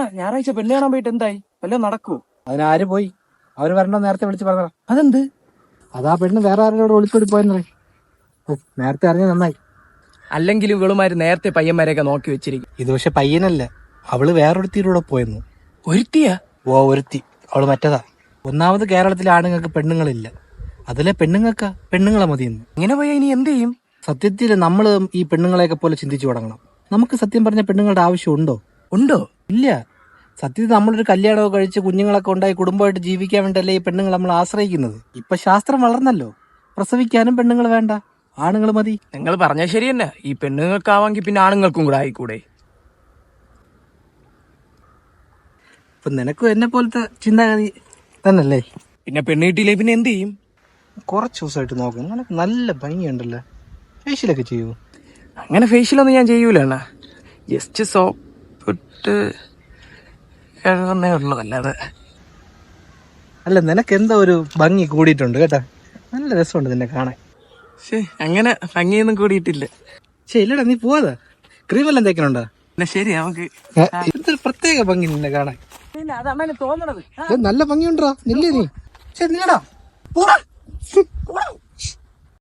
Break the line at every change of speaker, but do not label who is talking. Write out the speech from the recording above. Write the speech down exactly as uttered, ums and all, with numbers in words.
ഞായറാഴ്ച പെണ്ണ് കാണാൻ പോയിട്ട് എന്തായി? വല്ലതും നടക്കുവോ?
അതിനാര് പോയി? അവര് വരണ്ടോ നേരത്തെ വിളിച്ച് പറഞ്ഞ.
അതെന്ത്?
അതാ പെണ്ണ് വേറെ ആരോട് ഒളിച്ചോടി പോയെന്ന് പറയും. നേരത്തെ അറിഞ്ഞ നന്നായി.
അല്ലെങ്കിലും ഇവളുമാര് നേരത്തെ പയ്യന്മാരെയൊക്കെ നോക്കി വെച്ചിരിക്കും.
ഇത് പക്ഷെ പയ്യനല്ല, അവള് വേറൊരുത്തിയിലൂടെ പോയെന്നു.
ഒരുത്തിയാ?
ഓ ഒരുത്തി, അവള് മറ്റതാ. ഒന്നാമത് കേരളത്തിലെ ആണുങ്ങൾക്ക് പെണ്ണുങ്ങളില്ല, അതിലെ പെണ്ണുങ്ങൾക്കാ പെണ്ണുങ്ങളെ മതിയെന്ന്.
ഇങ്ങനെ പോയാ ഇനി എന്ത് ചെയ്യും?
സത്യത്തിൽ നമ്മള് ഈ പെണ്ണുങ്ങളെയൊക്കെ പോലെ ചിന്തിച്ചു തുടങ്ങണം. നമുക്ക് സത്യം പറഞ്ഞ പെണ്ണുങ്ങളുടെ ആവശ്യം ഉണ്ടോ?
ഉണ്ടോ?
ഇല്ല. സത്യത്തിൽ നമ്മളൊരു കല്യാണമൊക്കെ കഴിച്ച് കുഞ്ഞുങ്ങളൊക്കെ ഉണ്ടായി കുടുംബമായിട്ട് ജീവിക്കാൻ വേണ്ടിയല്ലേ ഈ പെണ്ണുങ്ങൾ നമ്മൾ ആശ്രയിക്കുന്നത്. ഇപ്പൊ ശാസ്ത്രം വളർന്നല്ലോ, പ്രസവിക്കാനും പെണ്ണുങ്ങൾ വേണ്ട, ആണുങ്ങൾ മതി.
നിങ്ങൾ പറഞ്ഞ ശരി തന്നെ. ഈ പെണ്ണുങ്ങൾക്കാവാങ്കി പിന്നെ ആണുങ്ങൾക്കും കൂടെ ആയിക്കൂടെ?
ഇപ്പൊ നിനക്കും എന്നെ പോലത്തെ ചിന്താഗതി തന്നല്ലേ.
പിന്നെ പെണ്ണ് കിട്ടിയില്ലേ പിന്നെ എന്ത് ചെയ്യും?
കുറച്ച് ദിവസമായിട്ട് നോക്കും, നിനക്ക് നല്ല ഭംഗിയുണ്ടല്ലോ. ഫേഷ്യലൊക്കെ ചെയ്യൂ?
അങ്ങനെ ഫേഷ്യലൊന്നും ഞാൻ ചെയ്യൂല അണ്ണാ. ജസ്റ്റ് സോപ്പിട്ട് കഴുകുന്നേ ഉള്ളൂ, അല്ലാതെ.
അല്ല, നിനക്ക് എന്താ ഒരു ഭംഗി കൂടിയിട്ടുണ്ട് കേട്ടാ, നല്ല രസമുണ്ട് നിന്നെ കാണാൻ.
ശേ, അങ്ങനെ ഭംഗിയൊന്നും കൂടിയിട്ടില്ല.
ശരി ഇല്ലടാ, നീ പോവാതാ. ക്രീമെല്ലാം തേക്കണുണ്ടോ?
ശരി, നമുക്ക്
എന്തൊരു പ്രത്യേക ഭംഗി നിന്നെ കാണാൻ.
അതാണ് തോന്നണത്.
നല്ല ഭംഗിയുണ്ടോ? നില്ലേ നീ? ശരി നില്ലടാ.